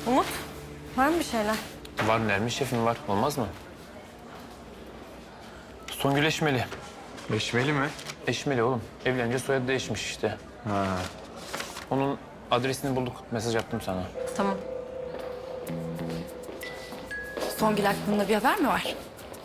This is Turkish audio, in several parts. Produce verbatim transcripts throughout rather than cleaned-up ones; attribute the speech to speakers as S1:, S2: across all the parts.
S1: Umut, var mı bir şeyler?
S2: Var Nermin şefim var. Olmaz mı? Songül Eşmeli.
S3: Eşmeli mi?
S2: Eşmeli oğlum. Evlenince soyadı değişmiş işte.
S3: Ha.
S2: Onun adresini bulduk. Mesaj attım sana.
S1: Tamam.
S4: Songül hakkında bir haber mi var?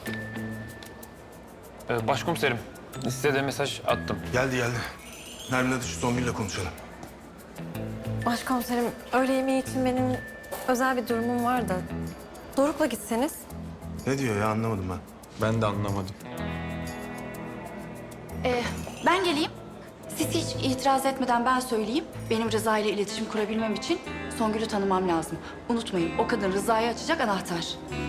S2: Ee, başkomiserim, size de mesaj attım.
S5: Geldi geldi. Nermin hadi şu Songül'le konuşalım.
S1: Başkomiserim, öğle yemeği için benim özel bir durumum var da. Doruk'la gitseniz.
S5: Ne diyor ya anlamadım ben.
S3: Ben de anlamadım.
S4: Ee, ben geleyim. Siz hiç itiraz etmeden ben söyleyeyim. Benim Rıza ile iletişim kurabilmem için Songül'ü tanımam lazım. Unutmayın, o kadın Rıza'yı açacak anahtar.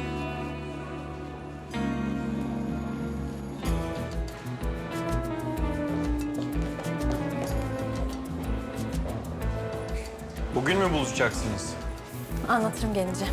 S3: Bugün mü buluşacaksınız?
S1: Anlatırım gelince.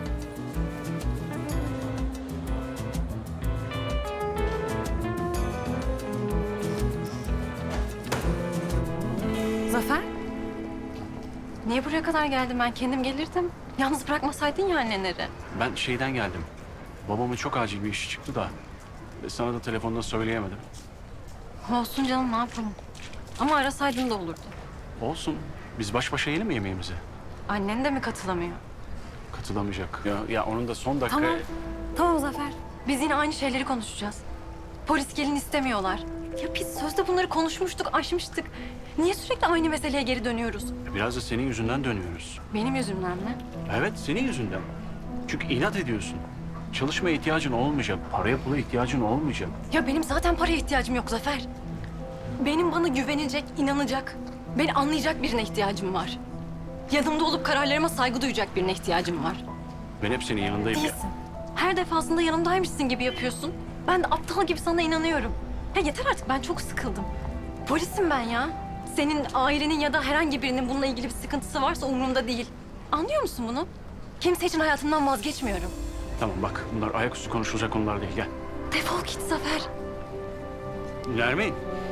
S1: Zafer? Niye buraya kadar geldim ben? Kendim gelirdim. Yalnız bırakmasaydın ya anneleri.
S6: Ben şeyden geldim. Babamın çok acil bir işi çıktı da. e, Sana da telefonda söyleyemedim.
S1: Olsun canım, ne yapalım? Ama arasaydın da olurdu.
S6: Olsun. Biz baş başa yiyelim mi yemeğimizi?
S1: Annen de mi katılamıyor?
S6: Katılamayacak. Ya, ya onun da son dakika...
S1: Tamam. Tamam Zafer. Biz yine aynı şeyleri konuşacağız. Polis gelin istemiyorlar. Ya biz sözde bunları konuşmuştuk, aşmıştık. Niye sürekli aynı meseleye geri dönüyoruz?
S6: Biraz da senin yüzünden dönüyoruz.
S1: Benim yüzümden mi?
S6: Evet, senin yüzünden. Çünkü inat ediyorsun. Çalışmaya ihtiyacın olmayacak. Paraya pula ihtiyacın olmayacak.
S1: Ya benim zaten paraya ihtiyacım yok Zafer. Benim bana güvenecek, inanacak, beni anlayacak birine ihtiyacım var. Yanımda olup kararlarıma saygı duyacak birine ihtiyacım var.
S6: Ben hep senin yanındayım ya.
S1: Değilsin. Her defasında yanımdaymışsın gibi yapıyorsun. Ben de aptal gibi sana inanıyorum. Ya yeter artık, ben çok sıkıldım. Polisim ben ya. Senin ailenin ya da herhangi birinin bununla ilgili bir sıkıntısı varsa umurumda değil. Anlıyor musun bunu? Kimse için hayatımdan vazgeçmiyorum.
S6: Tamam bak, bunlar ayaküstü konuşulacak konular değil. Gel.
S1: Defol git Zafer.
S6: Nermin.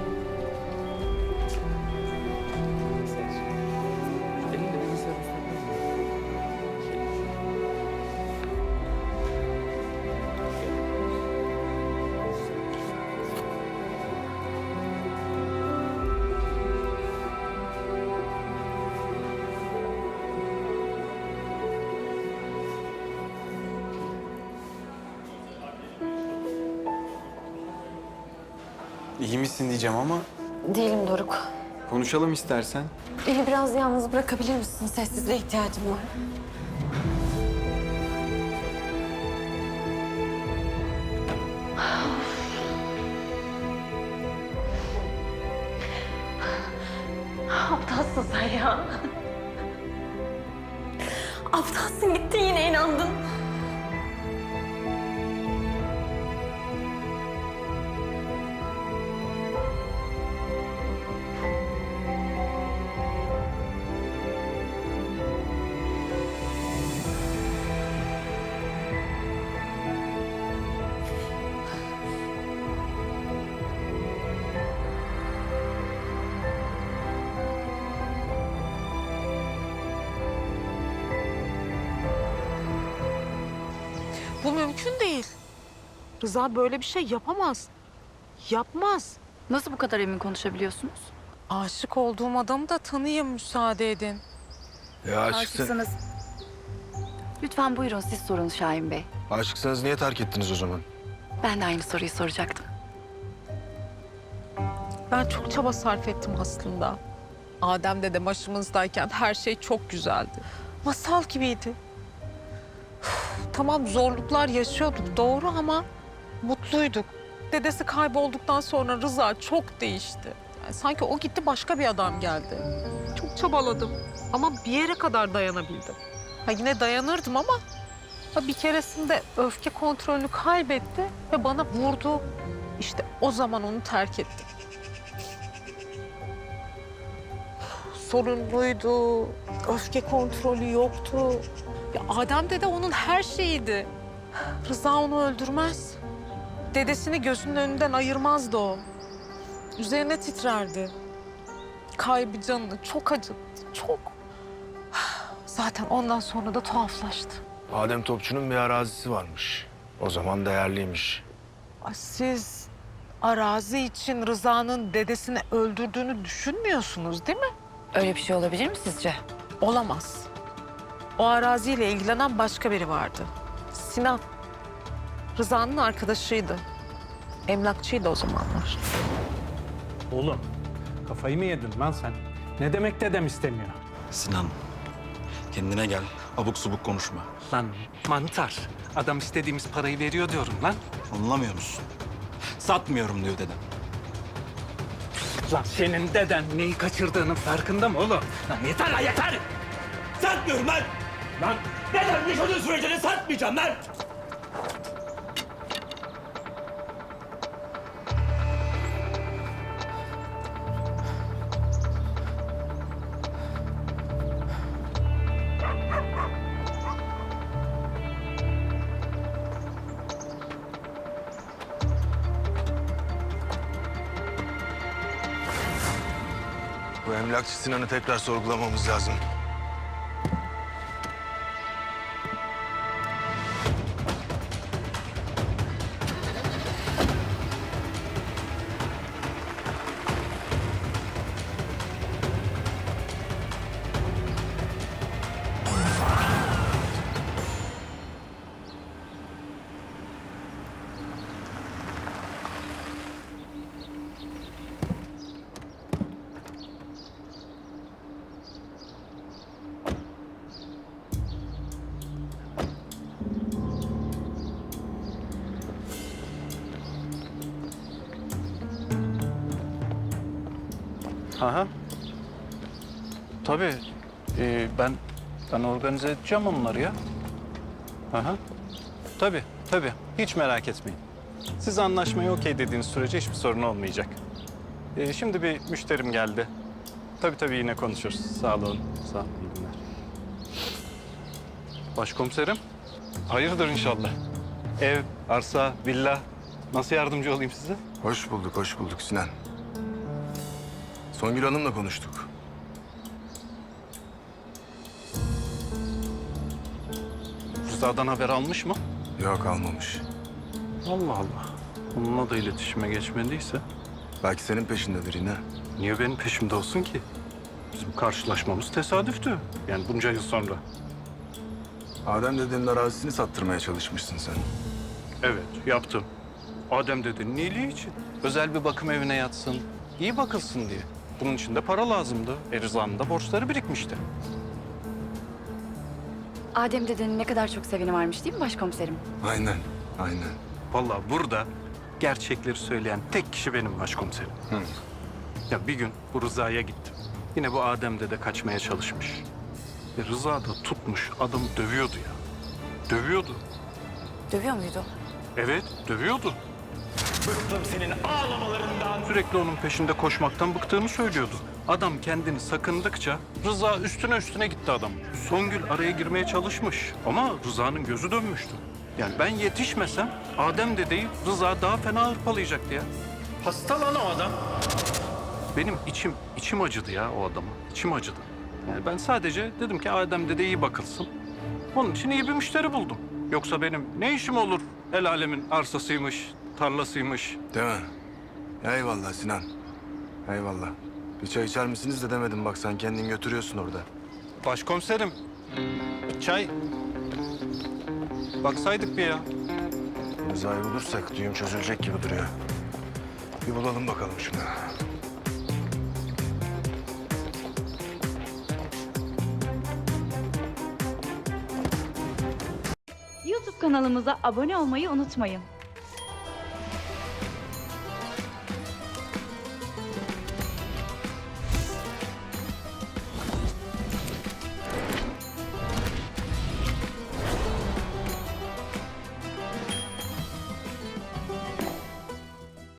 S3: İyi misin diyeceğim ama
S1: Değilim Doruk.
S3: konuşalım istersen.
S1: Beni biraz yalnız bırakabilir misin? Sessizliğe ihtiyacım var. Aptalsın sen ya. Aptalsın, gittin yine inandın.
S7: Bu mümkün değil. Rıza böyle bir şey yapamaz. Yapmaz.
S4: Nasıl bu kadar emin konuşabiliyorsunuz?
S7: Aşık olduğum adamı da tanıyayım, müsaade edin.
S5: Ya aşıksa,
S4: Aşıksınız. Lütfen buyurun, siz sorun Şahin Bey.
S5: aşıksanız niye terk ettiniz o zaman?
S4: Ben de aynı soruyu soracaktım.
S7: Ben çok çaba sarf ettim aslında. Adem dede başımızdayken her şey çok güzeldi. Masal gibiydi. Üf, tamam zorluklar yaşıyorduk doğru ama mutluyduk. Dedesi kaybolduktan sonra Rıza çok değişti. Yani sanki o gitti, başka bir adam geldi. Çok çabaladım ama bir yere kadar dayanabildim. Ha yine dayanırdım ama ha bir keresinde öfke kontrolünü kaybetti ve bana vurdu. İşte o zaman onu terk ettim. Sorunluydu, öfke kontrolü yoktu. Ya Adem dede onun her şeyiydi. Rıza onu öldürmez. Dedesini gözünün önünden ayırmazdı o. Üzerine titrerdi. Kaybı canını çok acıttı, çok. Zaten ondan sonra da tuhaflaştı.
S5: Adem Topçu'nun bir arazisi varmış. O zaman değerliymiş.
S7: Ay, siz arazi için Rıza'nın dedesini öldürdüğünü düşünmüyorsunuz değil mi?
S4: Öyle bir şey olabilir mi sizce?
S7: Olamaz. O araziyle ilgilenen başka biri vardı. Sinan. Rıza'nın arkadaşıydı. Emlakçıydı o zamanlar.
S8: Oğlum, kafayı mı yedin lan sen? Ne demek dedem istemiyor?
S9: Sinan, kendine gel. Abuk subuk konuşma.
S8: Lan mantar, adam istediğimiz parayı veriyor diyorum lan.
S9: Anlamıyor musun? Satmıyorum diyor dedem.
S8: Lan senin deden neyi kaçırdığının farkında mı oğlum? Lan yeter lan yeter!
S9: Satmıyorum lan!
S8: Lan
S9: Dedem yaşadığı sürece de satmayacağım lan!
S5: Bu emlakçı Sinan'ı tekrar sorgulamamız lazım.
S6: Aha. Tabii. Ee, ben ben organize edeceğim onları ya. Aha. Tabii, tabii. Hiç merak etmeyin. Siz anlaşmayı okey dediğiniz sürece hiçbir sorun olmayacak. Ee, şimdi bir müşterim geldi. Tabii tabii yine konuşuruz. Sağ olun. Sağ olun. İyi günler. Başkomiserim. Hayırdır inşallah. Ev, arsa, villa. Nasıl yardımcı olayım size?
S5: Hoş bulduk, hoş bulduk Sinan. Songül Hanım'la konuştuk.
S6: Rıza'dan haber almış mı?
S5: Yok, almamış.
S6: Allah Allah. Onunla da iletişime geçmediyse
S5: Belki senin peşindedir yine.
S6: niye benim peşimde olsun ki? Bizim karşılaşmamız tesadüftü. Yani bunca yıl sonra.
S5: Adem dedenin arazisini sattırmaya çalışmışsın sen.
S6: Evet, yaptım. Adem dedenin iyiliği için. Özel bir bakım evine yatsın, iyi bakılsın diye. Bunun için de para lazımdı. E Rıza'nın da borçları birikmişti.
S4: Adem dedenin ne kadar çok seveni varmış değil mi başkomiserim?
S5: Aynen, aynen.
S6: Vallahi burada gerçekleri söyleyen tek kişi benim başkomiserim.
S5: Hı.
S6: Ya bir gün bu Rıza'ya gittim. Yine bu Adem dede kaçmaya çalışmış. E Rıza da tutmuş adamı dövüyordu ya. Dövüyordu.
S4: Dövüyor muydu?
S6: Evet, dövüyordu.
S9: Bıktım senin ağlamalarından.
S6: Sürekli onun peşinde koşmaktan bıktığını söylüyordu. Adam kendini sakındıkça Rıza üstüne üstüne gitti adam. Songül araya girmeye çalışmış ama Rıza'nın gözü dönmüştü. Yani ben yetişmesem Adem dedeyi Rıza daha fena hırpalayacaktı ya.
S8: Hasta lan o adam.
S6: Benim içim, içim acıdı ya o adama. İçim acıdı. Yani ben sadece dedim ki Adem dede iyi bakılsın. Onun için iyi bir müşteri buldum. Yoksa benim ne işim olur el alemin arsasıymış, tarlasıymış.
S5: Değil mi? Eyvallah Sinan. Eyvallah. Bir çay içer misiniz de demedim, bak sen kendin götürüyorsun orada.
S6: Başkomiserim, çay. Baksaydık bir ya.
S5: Rıza'yı bulursak düğüm çözülecek gibi duruyor. Bir bulalım bakalım şunu.
S10: YouTube kanalımıza abone olmayı unutmayın.